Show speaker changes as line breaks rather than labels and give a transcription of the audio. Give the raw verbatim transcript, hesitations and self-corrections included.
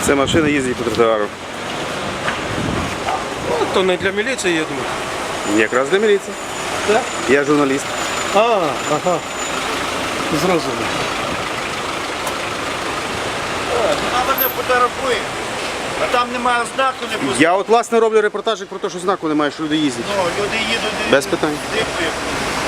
Це машина їздить по тротуару.
Ну, то не для міліції, я думаю.
Якраз для міліції.
Так?
Я журналіст.
А, ага. Зрозуміло.
Вона мене фотографує, а там немає знаку, не пустить.
Я от власне роблю репортажик про те, що знаку немає, що люди їздять.
Ну, люди їдуть,
Без питань.
дивують.